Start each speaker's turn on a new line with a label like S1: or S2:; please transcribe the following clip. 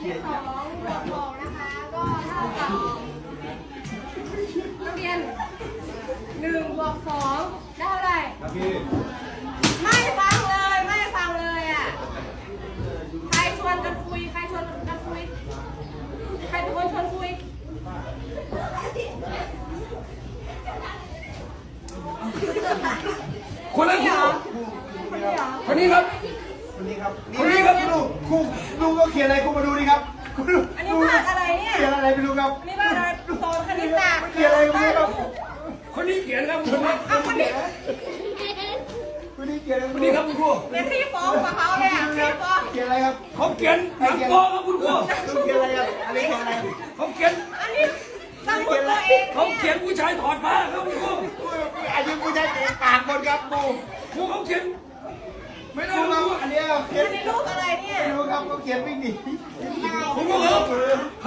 S1: 2 นะคะ ก็เท่ากับนักเรียน1 บวก 2 ได้เท่าไหร่ครับพี่ไม่ฟังเลยอ่ะใครชวนกันคุยใครเป็นคนชวนคุย
S2: คนนั้นคนนี้ครับ
S3: ครูก็เขียนอะไรครูมาดูดิครับ
S1: อันนี้ภาคอะไรเนี่ย
S3: เขียนอะไรไม่รู้ครับ
S1: นี่ภาคอะไรสอนคณิตศาสตร์
S3: เขียนอะไรไม่รู้ครับ
S2: คนนี้เขียนครับคนนี้
S1: เอาคนนี้
S3: เขียนอะไร
S2: คนนี้ครับคุณครู
S1: เป็นที่ฟ้องกับเขาเลยอ่ะที่ฟ้อง
S3: เขียนอะไรครับ
S2: เขาเขียนหนังโป๊ครับคุณครู
S3: เขียนอะไรครับอันนี้เขียนอะไร
S2: เขาเขียน
S1: อันนี้ตั้งตัวเอง
S2: เขาเขียนผู้ชายถอดมาครับคุณครู
S3: อันนี้ผู้ชายเตะปากคนครับครู
S2: ครูเขาเขียนไม่ได้
S3: ครู
S2: ค
S3: ค
S2: รั
S3: รับบ อันนี้เขียน
S1: อันนี้ลูกอะไรเนี่ย
S3: ไม่รู้ครับเขาเขียนวิ่งหนี
S2: คุณครูครับ